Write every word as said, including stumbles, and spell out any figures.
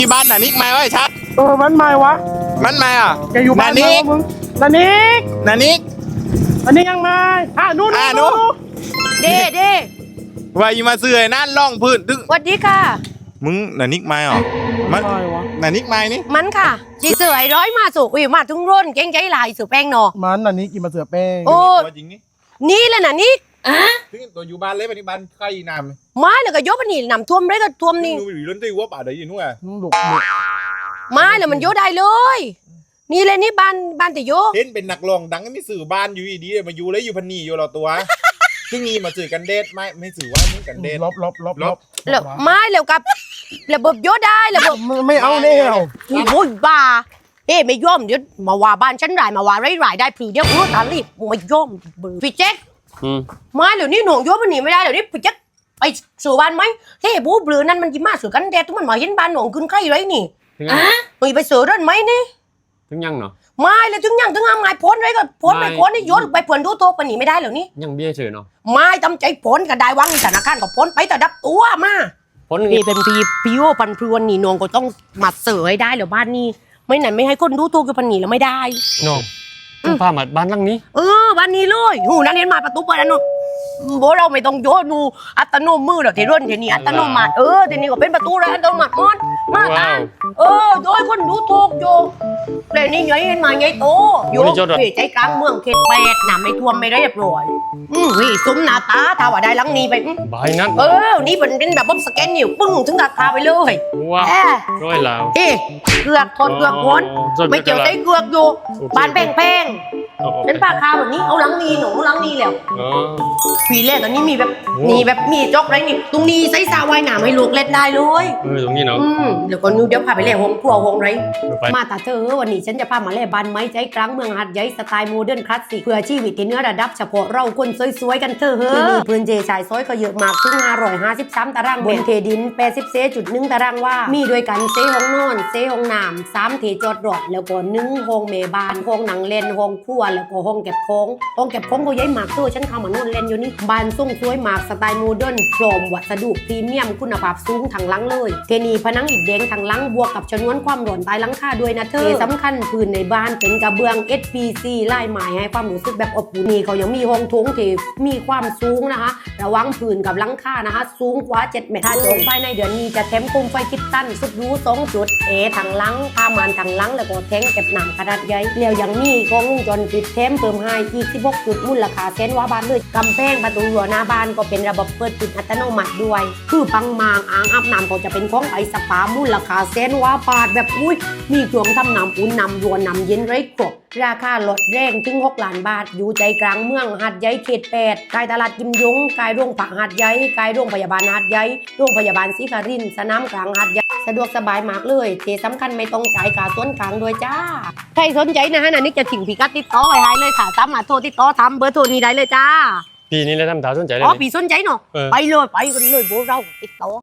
ที่บ้านน่ะนิกมาไว้ชัดเออมันไม่วะมันมาอ่ะแกอยู่บ้านนิกมึงนานิกนานิกนานิกยังไงอ่ะนู่นอ่ะนู่นเด้เด้ว่าอยู่มาเสื่อยนั่นล่องพื้นตึ้งสวัสดีค่ะมึงนานิกมาอ่ะมันนานิกมานี่มันค่ะจีเสือไอ้ร้อยมาสู่อุ้ยมาทุ่งร่นเก่งใจลายสู่แป้งนอมันนานิกกินมาเสือแป้งโอ้ตัวจริงนี่นี่แหละนะนี่อ่ะถึงตัวอยู่บ้านเลยปัจจุบันใครนำไม้แล้วก็ยกไปนี่นำท่วมเลยก็ท่วมนี่ดูอยู่ล้นตีวัวป่าเดี๋ยวอยู่นู่นอ่ะนุ่งดุดุไม้แล้วมันยกได้เลย นี่เลยนี่บ้านบ้านแต่ยกเห็นเป็นนักร้องดังก็ไม่สื่อบ้านอยู่ดีๆมาอยู่เลยอยู่พันนีอยู่เราตัวที่นี่มาสื่อกันเดทไม่ไม่สื่อว่ามึงกันเดทลบลบลบลบแล้วไม้แล้วกับระบบยกได้ระบบไม่เอาแน่เอาโอ้ยบ้าเฮ้ไม่ย่อมเดี๋ยวมาว่าบ้านฉันรายมาว่าไรรายได้ผีเดี๋ยวรู้ตาลีบไม่ย่อมพี่แจ๊คไม้แล้วนี่หน่วงยกไปหนีไม่ได้เดี๋ยวนี้พี่แจ๊คไปสู่บ้านไหมเฮ้บูบลือนั่นมันยิ่มาสู่กันเดททุกมันมาเห็นบ้านหน่วงขึ้นใครไรนี่อ่ะมึงไปสู่นั่นไหมนี่ถึงยังเนาะไม่เลยถึงยังถึงทำไงพ้นไว้ก็พ้นไปพ้นนี่ยศไปเผื่อนดูโตปนีไม่ได้เหรอนี่ยังเบี้ยเฉยเนาะไม่ทำใจพ้นก็ได้วังธนาคารก็พ้นไปแต่ดับตัวมาพ้นนี่เป็นพีพีโอปันพรวนนี่นองก็ต้องมาเสือให้ได้เหรอบ้านนี้ไม่ไหนไม่ให้คนดูตัวกับพันนี่แล้วไม่ได้น้องต้องพามาบ้านหลังนี้เออบ้านนี้เลยหูนั่นเห็นมาประตูเปิดอันนู้นโบเราไม่ต้องโยนดูอัตโนมือหรอกที่ร่นที่นี่อัตโนมัติเออที่นี่ก็เป็นประตูเลยอัตโนมัติมอนมาตานเออโดยคนดูถูกโยแต่นี่ไงเห็นมาไงโตโยใจกลางเมืองเขตแปดน่ะไม่ท่วมไม่ได้เรียบร้อยอืมนี่ซุ้มหน้าตาถ้าว่าได้หลังนี้ไปบายนั้นเออนี่เป็นเป็นแบบว่าสแกนนิ้วปึ้งถึงราคาไปเลยว้าวเอ๊ะร้อยแล้วเอ๊ะเกือกทนเกือกวนไม่เกี่ยวใจเกือกอยู่บานแป้งแป้งเป็นปลาคาแบบนี้เอาหลังนี้หนูหลังนี้แล้วผีเล่ตอนนี้มีแบบมีแบบมีจอกไรนี่ตรงนี้ใส่ซาว่ายน้ำให้ลูกเล่นได้เลยเออตรงนี้เนาะอืมเดี๋ยวก่อนนู้เดี๋ยวพาไปเล่นห้องครัวห้องไรมาตาเธอวันนี้ฉันจะพามาเล่นบ้านไม้ใจกลางเมืองหัดใหญ่สไตล์โมเดิร์นคลาสสิกเพื่อชีวิตที่เนื้อระดับเฉพาะเราคนสวยๆกันเธอเฮ้อพื้นเจชายซอยก็เยอะมากถึงห้าร้อยห้าสิบสามตารางบนเทดินแปดสิบเซจุดหนึ่งตารางว่ามีด้วยกันเซห้องนอนเซห้องน้ำสามเทจอดรถแล้วก็หนึ่งห้องเมบานห้องหนังเล่นห้องครัวแล้วก็ห้องเก็บของห้องเก็บของก็ใหญ่มากเธอฉันเข้ามานอนเล่นอยู่นี่บ้านทรงสวยมากสไตล์โมเดิร์นพร้อมวัสดุพรีเมียมคุณภาพสูงทางหลังเลยเทนีผนังอิฐแดงทางหลังบวกกับชนวนความร้อนใต้หลังคาด้วยนะเธอสำคัญพื้นในบ้านเป็นกระเบื้อง เอส พี ซี ลายไม้ให้ความรู้สึกแบบอบอุ่นนี่เขายังมีห้องโถงที่มีความสูงนะคะระวังพื้นกับหลังคานะคะสูงกว่าเจ็ดเมตรถ้าจองภายในเดือนนี้จะแถมโคมไฟคิดตั้นสุดหรูสองจุดเอทางหลังผ้าม่านทางหลังแล้วก็แทงเก็บน้ำขนาดใหญ่แล้วยังมีกล้องวงจรปิดแถมเพิ่มให้อีกสิบหกจุดมูลค่าแสนว่าบาทเลยกำแพงประตูรั้วหน้าบ้านก็เป็นระบบเปิดปิดอัตโนมัติด้วยคือปังมางอ่างอาบน้ำก็จะเป็นของไอสปามูลค่าแสนว่าบาทแบบอุ้ยมีเครื่องทำน้ำอุ่นน้ำรัวน้ำเย็นไร้ครบราคาลดแรงถึงหกล้านบาทอยู่ใจกลางเมืองหาดใหญ่เขตแปดกายตลาดกิมยงกายโรงผักหาดใหญ่กายโรงพยาบาลหาดใหญ่โรงพยาบาลศรีคารินทร์สนามกลางหาดใหญ่สะดวกสบายมากเลยที่สำคัญไม่ต้องจ่ายค่าส่วนกลางด้วยจ้าใครสนใจนะฮะนันนี่จะถึงพิกัดติดต่อไว้ให้เลยค่ะสามารถโทรติดต่อทำเบอร์โทรนี้ได้เลยจ้าปีนี้เลยทำถามสนใจเลยอ๋อปีสนใจเนาะไปเลยไปกันเลยโบเราติดต่อ